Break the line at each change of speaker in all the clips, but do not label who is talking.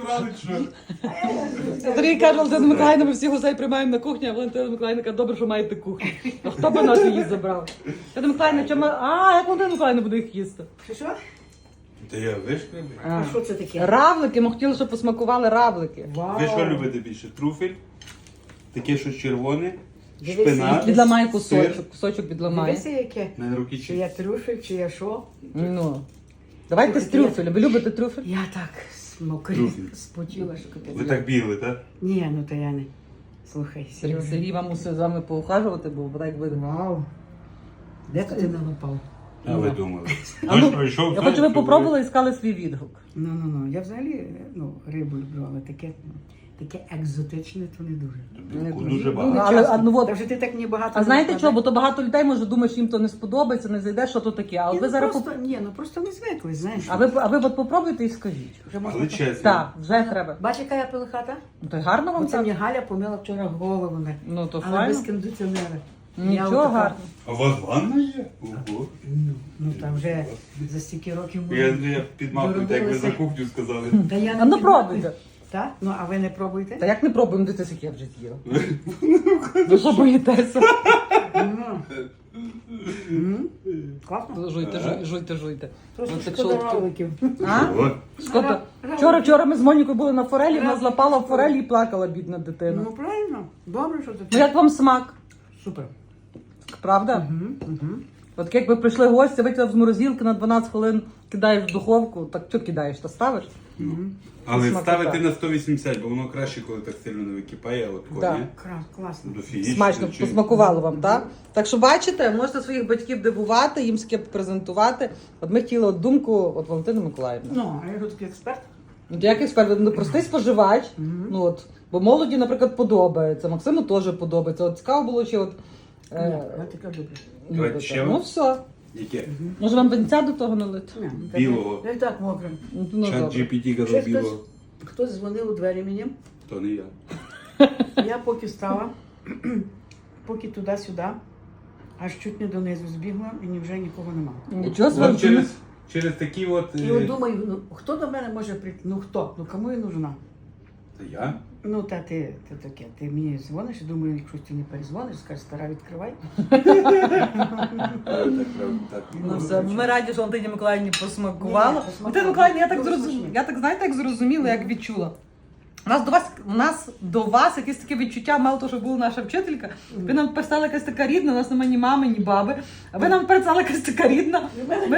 забрали, чи що?
Сергій каже, Валентина Миколаївна, ми всіх гостей приймаємо на кухні, а Валентина Миколаївна каже, добре, що маєте кухню. А хто би нас її забрав? Валентина Миколаївна, чому... як Валентина Миколаївна буде їх їсти?
Що?
Та я вишкребив.
А що це таке?
Равлики, ми хотіли, щоб посмакували равлики.
Вау.
Ви що любите більше? Труфель? Таке щось червоне?
Дивися,
Шпинат?
Відламає
сир.
кусочок відламає.
Дивися, яке.
На руки
Чи
чи?
я трюфель, чи я що?
Ну. Давайте з трюфеля. Ви любите трюфель?
Я так смокрі,
Трюфель.
спотіла, що капець.
Ви так бігли, так?
Ні, ну то я не. Слухай, Сережа.
Сергій вам мусить з вами поухажувати, бо так видно.
Вау. Де ти налопав?
А ви думали.
А ну,
Дощ пройшов.
Я хочу, ви попробували і сказали свій відгук.
Ну. Я взагалі рибу люблю, але таке екзотичне, то не дуже.
Дуже
Ну,
багато.
але, от,
Та вже ти так мені багато.
а
не
знаєте
вкладай.
чого? Бо то багато людей може думає, що їм то не сподобається, не зайде, що то таке. А от
Ні,
ви
ну,
зараз
просто не звикли, знаєш.
а ви от попробуйте і скажіть.
Вже можна...
Але чесно.
Так, вже треба.
Бач, яка я пилихата?
Ну то й гарно вам
Оце мені
так?
Галя помила вчора голову.
Ну то
Але без
файно.
кондиціонера. Я
Нічого
отака-
гарно.
А у вас ванна є? Ого.
Ну там вже за стільки років
Я підмахую, так як ви за
Доробилися.
кухню сказали.
Та я
А ну
підмахую.
пробуйте.
Так? Ну, а ви не пробуєте?
Та як не пробуємо, дивитися, як я вже з'їла. Ви що боїтеся?
Класно.
Жуйте.
Просто
Ну, так
шкода
що-
равликів.
А?
О,
Шкода. Вчора ми з Монікою були на форелі, вона злапала форелі і плакала, бідна дитина.
Ну, правильно. Добре, що
Ну
таке.
як вам смак?
Супер.
Правда?
Угу.
От якби прийшли гості, витягав з морозилки на 12 хвилин, кидаєш в духовку, так що кидаєш, та ставиш?
але
Смакота.
ставити на 180, бо воно краще, коли так сильно не википає, от
Да.
коні.
Класно.
Дофігіше.
Смачно,
чи-
посмакувало вам, так? Так що бачите, можете своїх батьків дивувати, їм таке презентувати. От ми хотіли от думку от Валентини Миколаївни.
Ну, а я тут такий експерт.
От як експерт, ну простий споживач, ну от, бо молоді, наприклад, подобається, Максиму теж подобається. От цікаво було, чи от
Ні, я таке люблю.
любите.
ще
Ну
вам?
все.
Яке?
Може вам венця до того налити?
Ні,
Білого.
Я і так мокрим.
Ну,
Чат
добре.
GPT
Ще
казав білого.
хтось дзвонив у двері мені.
То не я.
Я поки стала, поки туди-сюди, аж чуть не донизу збігла і ні вже нікого нема.
Нічого
От
собі.
через такі от...
І от думаю, ну хто до мене може прийти? Ну хто? Ну кому я нужна?
Та я?
Ну та ти таке, ти мені дзвониш і думаю, якщо ти не перезвониш, скажеш, стара, відкривай.
Так,
Ну все, ми раді, що Валентині Миколаївні посмакувало.
Ні,
Валентина Миколаївна, я так
Дуже
зрозуміла,
смачно.
я так знаєте, як зрозуміла, як відчула. У нас до вас якесь таке відчуття, мало того, що була наша вчителька. Ви нам перестала якась така рідна, у нас немає ні мами, ні баби. А ви нам перестала якась така рідна.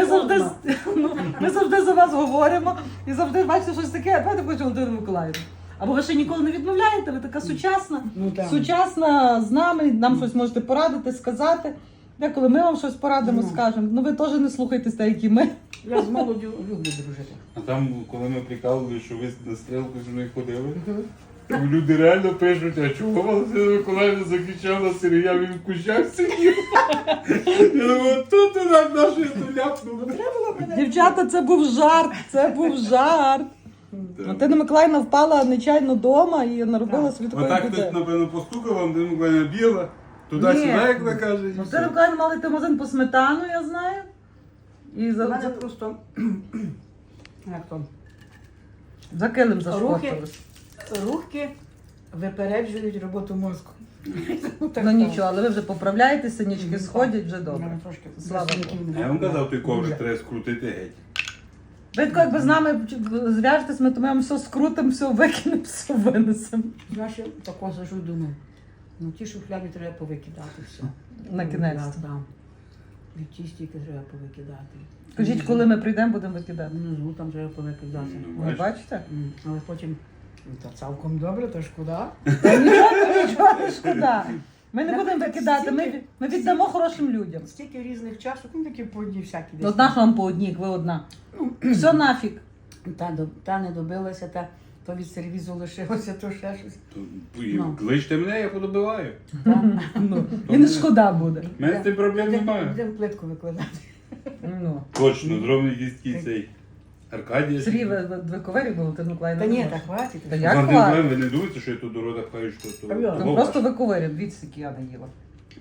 Ми завжди за вас говоримо і завжди бачите щось таке, давайте хочу Валентину Миколаївну. Або ви ще ніколи не відмовляєте, ви така сучасна.
Ну так.
Сучасна з нами, нам щось можете порадити, сказати. Деколи ми вам щось порадимо, скажемо. Ну ви теж не слухайтесь так, як і ми.
Я з молоддю люблю дружити.
А там, коли ми прикалували, що ви на стрілку зі мною ходили, люди реально пишуть, а чого Валентина Миколаївна закричала Сергія, він в кущах сидів. Я думаю, тут у нас нашої ляпнули.
Дівчата, це був жарт, це був жарт. Валентина Миколаївна впала нечайно вдома і наробила собі такої
Отак хтось,
біди.
напевно, постукав, Валентина Миколаївна біла, туди-сюди,
Ні.
як ви кажете. і
Валентина
все.
Миколаївна мала йти в магазин по сметану, я знаю. І
У мене
за
просто як то,
килим зашкодились.
рухи випереджують роботу мозку. Так
Ну
стало.
нічого, але ви вже поправляєтеся, синячки сходять, вже
У
добре.
мене трошки
Слава
працівників
А
немає.
я вам казав, той коврик треба скрутити геть.
Ви тако, якби з нами зв'яжетесь, ми то ми вам все скрутимо, все викинемо, все винесемо.
Знаєш, я тако сижу і думаю, ну ті шухляди треба повикидати все.
На кінець.
Да. І ті стільки треба повикидати.
Скажіть, коли ми прийдемо, будемо викидати.
Внизу там треба повикидати.
Ви бачите?
Але потім, ну, та цілком добре, то шкода.
Та нічого не шкода. Ми не будемо викидати, ми віддамо хорошим людям.
Стільки різних чашок, ну такі по одній всякі
Ну, одна ж вам по одній, як ви одна. Все нафіг.
Та не добилася, та то від сервізу лишилося, то ще щось.
То,
Ну.
Кличте мене, я подобиваю.
Ну, і не шкода буде.
У мене з цим проблем немає.
Будемо плитку викладати.
Ну.
Точно, зроблений якийсь такий цей Аркадія.
Сергій, ви ковері були, ти Миколаївна?
Та ні, так хватить.
Та як
Валентин
хватить?
Миколаївна, ви не думаєте, що я тут до рода пхаю, що то
Та я.
Ну, просто ви ковері, дивіться, які я не їла.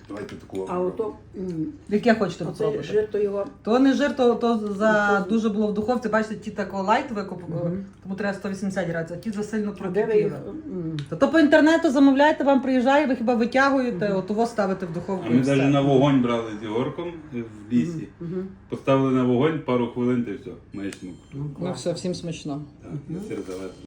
Давайте таку.
А ото
Яке хочете
оце
попробувати?
жир, то його.
То не жир, то за дуже було в духовці. Бачите, ті такого лайт викупили,
Мгм.
тому треба 180 градусів, а ті засильно
А де ви їх?
прокипіли. То по інтернету замовляєте, вам приїжджає, ви хіба витягуєте, отого ставите в духовку.
А
і
ми
все.
навіть на вогонь брали з Ігорком в лісі. Поставили на вогонь пару хвилин та й все. Маячну.
Ну все, всім смачно.
Так, на сир залежно.